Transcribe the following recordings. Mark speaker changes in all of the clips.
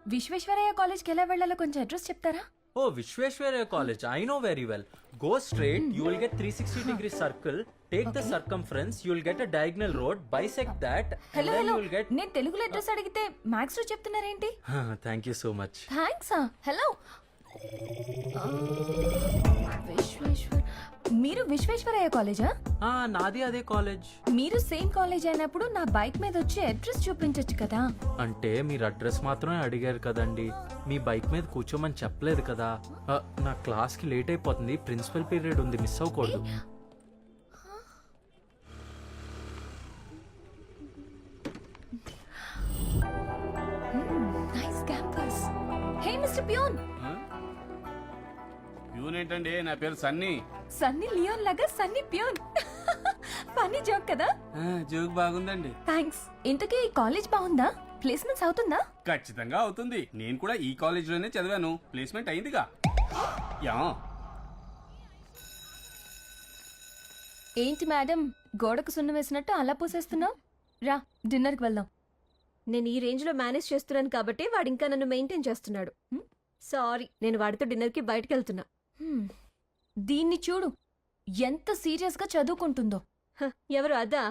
Speaker 1: విశ్వేశ్వరయ్య కాలేజ్కి ఎలా వెళ్ళాలో కొంచెం అడ్రస్ చెప్తారా?
Speaker 2: Oh, Vishweshwaraya College. I know very well. Go straight, you will get 360-degree circle. Take the circumference, you will get a diagonal road. Bisect that, and
Speaker 1: hello
Speaker 2: then
Speaker 1: hello
Speaker 2: you will get.
Speaker 1: నేను తెలుగులో address అడిగితే maths లో చెప్తున్నారేంటి?
Speaker 2: Thank you so much.
Speaker 1: Thanks. Hello Vishweshwar, మీరు విశ్వేశ్వరయ్య కాలేజా?
Speaker 2: నాది అదే college.
Speaker 1: మీరు సేమ్ కాలేజ్ అయినప్పుడు నా బైక్ మీద వచ్చి అడ్రస్ చూపించొచ్చు కదా.
Speaker 2: అంటే మీరు అడ్రస్ మాత్రమే అడిగారు కదండి, మీ బైక్ మీద కూర్చోమని చెప్పలేదు కదా. నా క్లాస్ కి లేట్ అయిపోతుంది, ప్రిన్సిపల్ పీరియడ్ ఉంది, మిస్ అవ్వకూడదు.
Speaker 1: Nice campus. Hey mister peon.
Speaker 3: Peon ఏంటండి, నా పేరు సన్నీ.
Speaker 1: సన్నీ లియోన్ లాగా సన్నీ పియోన్. ఫన్నీ జోక్ కదా.
Speaker 3: జోక్ బాగుందండి.
Speaker 1: థ్యాంక్స్. ఇంతకీ ఈ కాలేజ్ బాగుందా? ప్లేస్మెంట్స్ అవుతుందా?
Speaker 3: ఖచ్చితంగా అవుతుంది. నేను కూడా ఈ కాలేజ్ లోనే చదివాను, ప్లేస్మెంట్ అయిందిగా. యా.
Speaker 1: ఏంటి మేడం, గోడకు సున్నం వేసినట్టు అలా పూసేస్తున్నావు? రా, డిన్నర్కి వెళ్దాం.
Speaker 4: నేను ఈ రేంజ్ లో మేనేజ్ చేస్తున్నాను కాబట్టి వాడు ఇంకా నన్ను మెయింటైన్ చేస్తున్నాడు. సారీ, నేను వాడితో డిన్నర్ కి బయటకు వెళ్తున్నా.
Speaker 1: దీన్ని చూడు, ఎంత సీరియస్ గా చదువుకుంటుందో.
Speaker 4: ఎవరు అదా?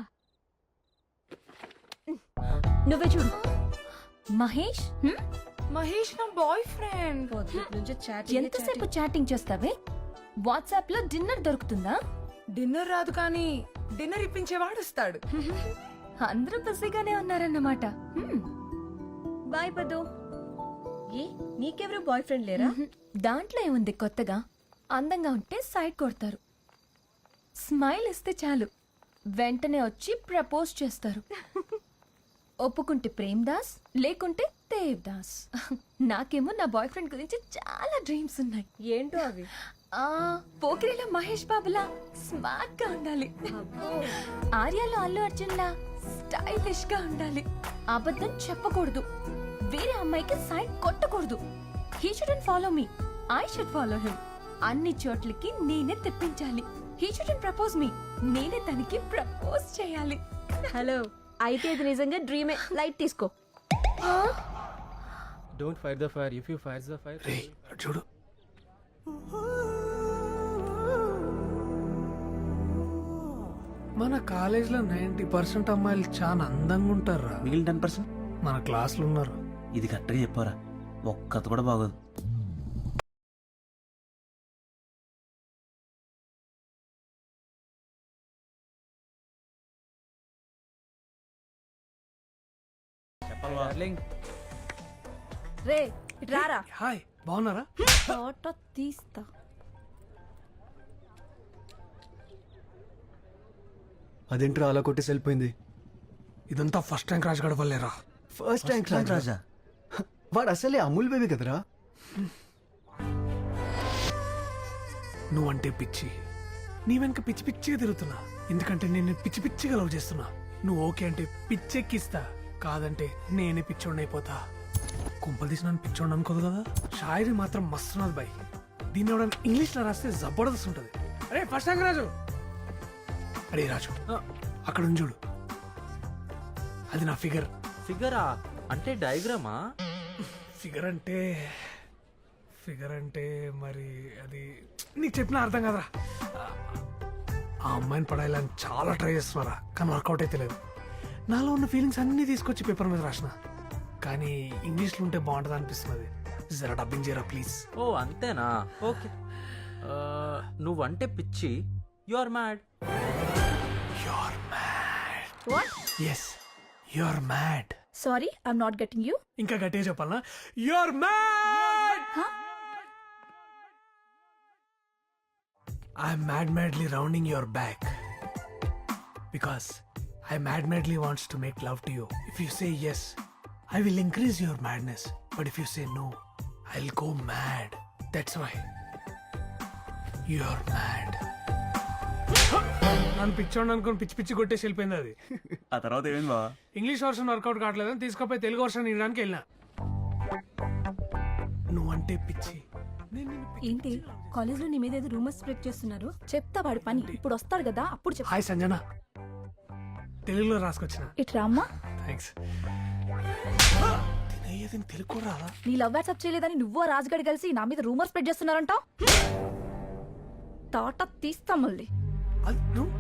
Speaker 4: నువ్వే చూడు.
Speaker 1: మహేష్.
Speaker 5: మహేష్ నా బాయ్ ఫ్రెండ్.
Speaker 1: ఎంతసేపు చాటింగ్ చేస్తావే? వాట్సాప్ లో డిన్నర్ దొరుకుతుందా?
Speaker 5: డిన్నర్ రాదు కానీ డిన్నర్ ఇప్పించేవాడు వస్తాడు.
Speaker 1: అందరూ బిజీగానే ఉన్నారన్నమాట.
Speaker 4: బాయ్ పదు. ఏ నీకెవరు బాయ్ ఫ్రెండ్ లేరా?
Speaker 1: దాంట్లో ఏముంది కొత్తగా? అందంగా ఉంటే సైడ్ కొడతారు, స్మైల్ ఇస్తే చాలు వెంటనే వచ్చి ప్రపోజ్ చేస్తారు. ఒప్పుకుంటే ప్రేమ్ దాస్, లేకుంటే దేవ్ దాస్. నాకేమో నా బాయ్ ఫ్రెండ్ గురించి చాలా డ్రీమ్స్ ఉన్నాయి.
Speaker 4: ఏంటో అవి?
Speaker 1: పోకిరిలో మహేష్ బాబులా స్మార్ట్ గా ఉండాలి, ఆర్యాలో అల్లు అర్జున్ లా స్టైలిష్ గా ఉండాలి, అబద్ధం చెప్పకూడదు, వేరే అమ్మాయికి సైడ్ కొట్టకూడదు. He shouldn't follow me, I should follow him. అన్ని చోట్లకి నేనే తెప్పించాలి. హీ షుడెంట్ ప్రపోజ్ మీ, నేనే తనకి ప్రపోజ్ చేయాలి.
Speaker 4: హలో, అయితే ఇది నిజంగా డ్రీమే. లైట్ తీసుకో.
Speaker 2: Don't fight the fire. If you fight the fire.
Speaker 6: చూడు, మన కాలేజ్ లో 90% అమ్మాయిలు చాలా అందంగా ఉంటారు.
Speaker 7: మిగిలిన 10%
Speaker 6: మన క్లాసులు ఉన్నారు.
Speaker 7: ఇది కరెక్ట్గా చెప్పారా, ఒక్కత కూడా బాగోదు.
Speaker 4: రే రారా.
Speaker 6: హాయ్, బాగున్నారా?
Speaker 4: ఫోటో తీస్తా.
Speaker 8: అదేంట్రా అలా కొట్టేసి వెళ్ళిపోయింది?
Speaker 6: ఇదంతా ఫస్ట్ ర్యాంక్ రాజు గడవలేరా.
Speaker 8: ఫస్ట్ ర్యాంక్
Speaker 7: రాజా
Speaker 8: వాడు అసలే అమూల్ బేబీ కదరా.
Speaker 6: నువ్వంటే పిచ్చి, నీ వెనక పిచ్చి పిచ్చిగా తిరుగుతున్నా. ఎందుకంటే నేను పిచ్చి పిచ్చిగా లవ్ చేస్తున్నా. నువ్వు ఓకే అంటే పిచ్చెక్కిస్తా, కాదంటే నేనే పిచ్చోడిని అయిపోతా. కుంపలు తీసి నన్ను పిచ్చోడిని అనుకోదు కదా. షాయరీ మాత్రం మస్తున్నది బాయ్. దీన్ని ఎవడన్నా ఇంగ్లీష్ లో రాస్తే జబర్దస్త్ ఉంటుంది. అరే ఫస్ట్ ర్యాంక్ రాజు. అరే రాజు, అక్కడ ఉంది చూడు, అది నా ఫిగర్.
Speaker 2: ఫిగరా అంటే డయాగ్రామా?
Speaker 6: ఫిగర్ అంటే మరి అది నీకు చెప్పిన అర్థం కదరా. ఆ అమ్మాయిని పడాలని చాలా ట్రై చేస్తున్నారా, కానీ వర్కౌట్ అయితే లేదు. నాలో ఉన్న ఫీలింగ్స్ అన్నీ తీసుకొచ్చి పేపర్ మీద రాసిన, కానీ ఇంగ్లీష్లో ఉంటే బాగుంటుంది అనిపిస్తున్నది. జరా డబ్బింగ్ చేయరా ప్లీజ్.
Speaker 2: ఓ అంతేనా, ఓకే. నువ్వంటే పిచ్చి, you are mad.
Speaker 4: What?
Speaker 6: Yes, you are mad.
Speaker 4: Sorry, I'm not getting you.
Speaker 6: ఇంకా గట్టిగా చెప్పాలనా? You are mad. I'm madly rounding your back because I madly wants to make love to you. If you say yes, I will increase your madness. But if you say no, I'll go mad. That's why you're mad. నన్ను పిచ్చోండి అనుకుని పిచ్చి పిచ్చి కొట్టేసి వెళ్ళిపోయింది అది.
Speaker 7: ఆ తర్వాత ఏమైంది బావా?
Speaker 6: ఇంగ్లీష్ వర్షన్ వర్కౌట్ కావట్లేదని తీసుకుపోయి తెలుగు వర్షన్ ఇవ్వడానికి వెళ్ళినా. నువ్వంటే పిచ్చి.
Speaker 4: ఏంటి కాలేజ్ లో నీ మీద ఏదో రూమర్స్ స్ప్రెడ్ చేస్తున్నారు? చెప్తా వాడి పని. ఇప్పుడు వస్తాడు కదా, అప్పుడు చెప్తా.
Speaker 6: హాయ్ సంజన, తెలుగులో రాసుకొచ్చిన.
Speaker 4: ఇట్రా అమ్మా.
Speaker 6: థ్యాంక్స్. అయ్యేదని తెలుగు రాదా?
Speaker 1: నీ లవ్ వాట్సాప్ చేయలేదని నువ్వు ఆ రాజుగాడి కలిసి నా మీద రూమర్ స్ప్రెడ్ చేస్తున్నారంట తాట తీస్తా మళ్ళీ.
Speaker 6: అది నువ్వు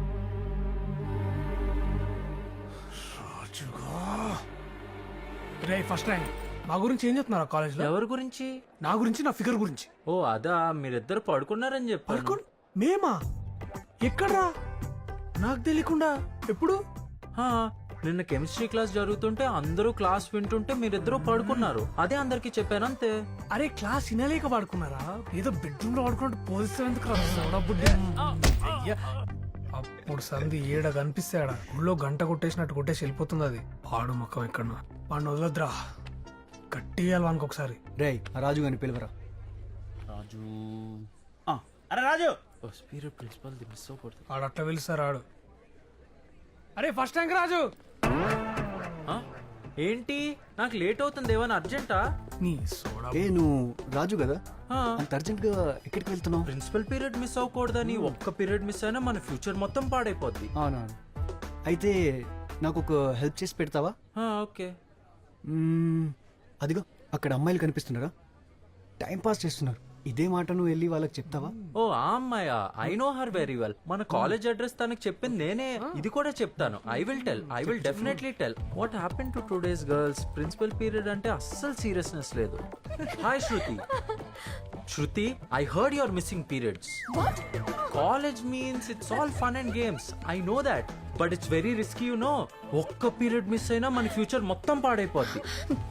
Speaker 6: రాజుగా రే ఫస్ట్ ర్యాంక్ మా గురించి ఏం చెప్తున్నారు కాలేజ్ లో?
Speaker 2: ఎవరి గురించి?
Speaker 6: నా గురించి, నా ఫిగర్ గురించి.
Speaker 2: ఓ అదా, మీరిద్దరు పడుకున్నారని చెప్పాను.
Speaker 6: పడుకోండి. మేమా? ఎక్కడ్రా? నాకు తెలియకుండా ఎప్పుడు?
Speaker 2: హా, నిన్న కెమిస్ట్రీ క్లాస్ జరుగుతుంటే అందరూ క్లాస్ వింటుంటే మీరిద్దరూ పడుకున్నారు. అదే అందరికి చెప్పాను అంతే.
Speaker 6: అరే క్లాస్ వినలేక పడుకున్నారా? ఏదో బెడ్రూమ్ లో పడుకున్నట్టు పోలిస్తే ఎందుకు అయ్యా అప్పుడు సంధి ఏడ కనిపిస్తాడా ఊళ్ళో గంట కొట్టేసినట్టు కొట్టేసి వెళ్ళిపోతుంది. అది పాడు మొక్కం ఎక్కడ వాడిని వదలద్రా, కట్టియాలి వానికి ఒకసారి.
Speaker 8: రే ఆ రాజు గారిని పిలవరా.
Speaker 7: రాజు అరే రాజు
Speaker 2: స్పీరియడ్ ప్రిన్సిపల్ మిస్ అవ్వకూడదు.
Speaker 6: ఆడు అట్లా పిలుస్తారు ఆడు. అరే ఫస్ట్ ర్యాంక్ రాజు.
Speaker 2: ఆ? ఏంటి నాకు లేట్ అవుతుంది, ఏమైనా అర్జెంటా?
Speaker 6: నీ సోడా
Speaker 8: ఏ నువ్వు రాజు కదా, అంత అర్జెంట్ గా ఎక్కడికి వెళ్తున్నావు?
Speaker 2: ప్రిన్సిపల్ పీరియడ్ మిస్ అవ్వకూడదని ఒక్క పీరియడ్ మిస్ అయినా మన ఫ్యూచర్ మొత్తం పాడైపోద్ది.
Speaker 8: అవునా, అయితే నాకు ఒక హెల్ప్ చేసి పెడతావా?
Speaker 2: ఓకే.
Speaker 8: అదిగో అక్కడ అమ్మాయిలు కనిపిస్తున్నారా, టైం పాస్ చేస్తున్నారు. ఇదే మాట నువ్వు వెళ్ళి వాళ్ళకి చెప్తావా?
Speaker 2: ఓ ఆ అమ్మాయా, I know her very well. మన కాలేజ్ అడ్రస్ తనకి చెప్పింది నేనే. ఇది కూడా చెప్తాను. I will definitely tell. What happen to today's girls? Principal period అంటే అస్సలు సీరియస్నెస్ లేదు. Hi Shruti. Shruti, I heard your missing periods. College means it's all fun and games. I know that, but it's very risky you know. ఒక్క period miss అయినా మన future మొత్తం పాడైపోద్ది.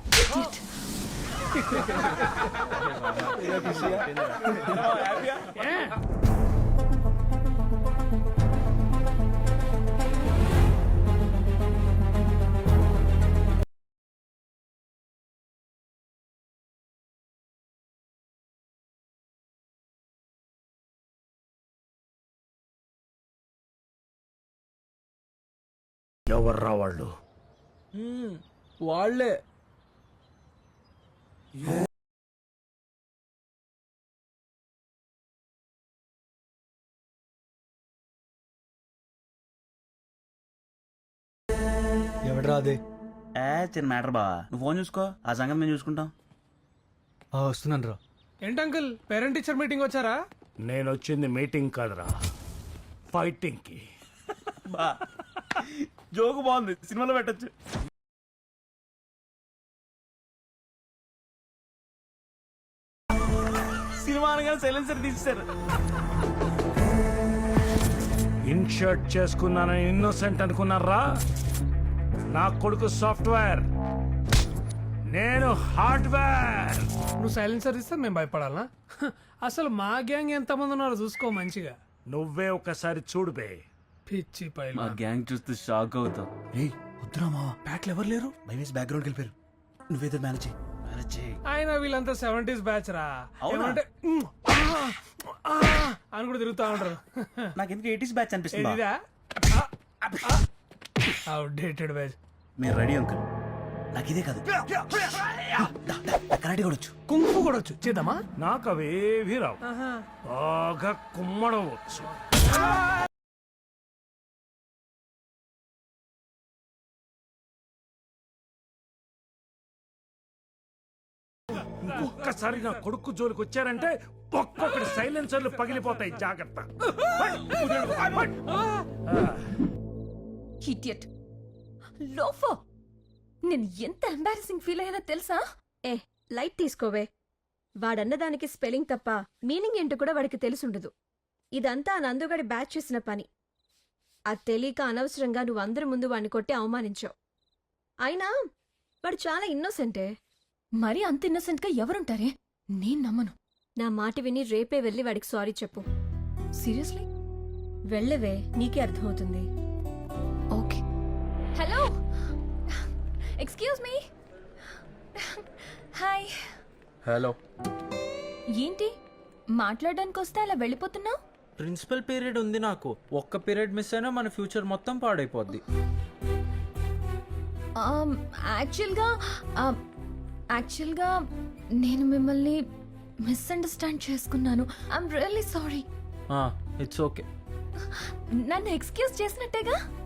Speaker 9: ఎవర్రా వాళ్ళు?
Speaker 2: వాళ్ళే.
Speaker 8: ఎవడరా అదే?
Speaker 7: చిన్న మ్యాటర్ బా, నువ్వు ఫోన్ చూసుకో, ఆ సంగతి మేము చూసుకుంటాం.
Speaker 8: వస్తున్నాను రా.
Speaker 6: ఏంటి అంకుల్ పేరెంట్ టీచర్ మీటింగ్ వచ్చారా?
Speaker 9: నేను వచ్చింది మీటింగ్ కాదురా, ఫైటింగ్ కి.
Speaker 7: బా జోకు బాగుంది, సినిమాలో పెట్టచ్చు. సినిమా అనగానే సైలెన్సర్ తీసేశారు.
Speaker 9: ఇన్షర్ట్ చేసుకున్నానని ఇన్నోసెంట్ అనుకున్నారా? నా కొడుకు సాఫ్ట్వేర్, నేను హార్డ్వేర్.
Speaker 6: నువ్వు సైలెన్సర్ ఇస్తే మేము భయపడాలా? అసలు మా గ్యాంగ్ ఎంతమంది ఉన్నారో చూసుకో మంచిగా.
Speaker 9: నువ్వే ఒకసారి చూడు బే.
Speaker 6: పిచ్చి
Speaker 7: మా
Speaker 6: పైల
Speaker 7: గ్యాంగ్ చూస్తే షాక్ అవుతావు.
Speaker 8: ఏయ్ వద్దురా మా,
Speaker 6: బ్యాట్లు ఎవరు లేరు.
Speaker 8: భయమేసి బ్యాక్గ్రౌండ్కి వెళ్ళిపోయారు. నువ్వేదో మేనేజ్ చేయి.
Speaker 6: ఆయన వీళ్ళంతా 70s బ్యాచ్ రా.
Speaker 7: అవునా?
Speaker 6: ఏమంటే అని కూడా తిరుగుతా ఉంటారు.
Speaker 7: నాకు ఎందుకు 80s బ్యాచ్ అనిపిస్తుంది.
Speaker 6: ఇదా అవుట్డేటెడ్ బ్యాచ్.
Speaker 7: మీరు రెడీ అంకుల్? నాకు ఇదే కాదు, కరాటే కూడా వచ్చు,
Speaker 6: కుంఫు కూడా వచ్చు. చేద్దామా?
Speaker 9: నాకు అవేవి రావు, బాగా కుమ్మడం వచ్చు. ఒక్కసారి నా కొడుకు జోలికి వచ్చారంటే ఒక్కొక్కటి సైలెన్సర్లు పగిలిపోతాయి, జాగ్రత్త.
Speaker 1: ఇడియట్ లోఫో. నేను ఎంత ఎంబారసింగ్ ఫీల్ అయ్యానో తెలుసా?
Speaker 4: ఏ లైట్ తీసుకోవే. వాడన్న దానికి స్పెల్లింగ్ తప్ప మీనింగ్ ఏంటో కూడా వాడికి తెలిసుండదు. ఇదంతా ఆ నందుగాడి బ్యాచ్ చేసిన పని. అది తెలియక అనవసరంగా నువ్వు అందరి ముందు వాడిని కొట్టి అవమానించావు. అయినా వాడు చాలా ఇన్నోసెంటే.
Speaker 1: మరి అంత ఇన్నోసెంట్ గా ఎవరుంటారే? నేను నమ్మను.
Speaker 4: నా మాట విని రేపే వెళ్ళి వాడికి సారీ చెప్పు.
Speaker 1: సీరియస్లీ?
Speaker 4: వెళ్ళవే, నీకే అర్థమవుతుంది.
Speaker 1: Okay. Hello, excuse me. Hi.
Speaker 2: Hello.
Speaker 1: ఏంటి మాట్లాడడానికి వస్తే అలా వెళ్ళిపోతున్నావు?
Speaker 2: ప్రిన్సిపల్ పీరియడ్ ఉంది నాకు. ఒక్క పీరియడ్ మిస్ అయినా మన ఫ్యూచర్ మొత్తం పాడైపోద్ది.
Speaker 1: యాక్చువల్గా నేను మిమ్మల్ని మిస్అండర్స్టాండ్ చేసుకున్నాను. I'm really sorry.
Speaker 2: It's okay.
Speaker 1: నన్ను ఎక్స్క్యూజ్ చేసినట్టేగా?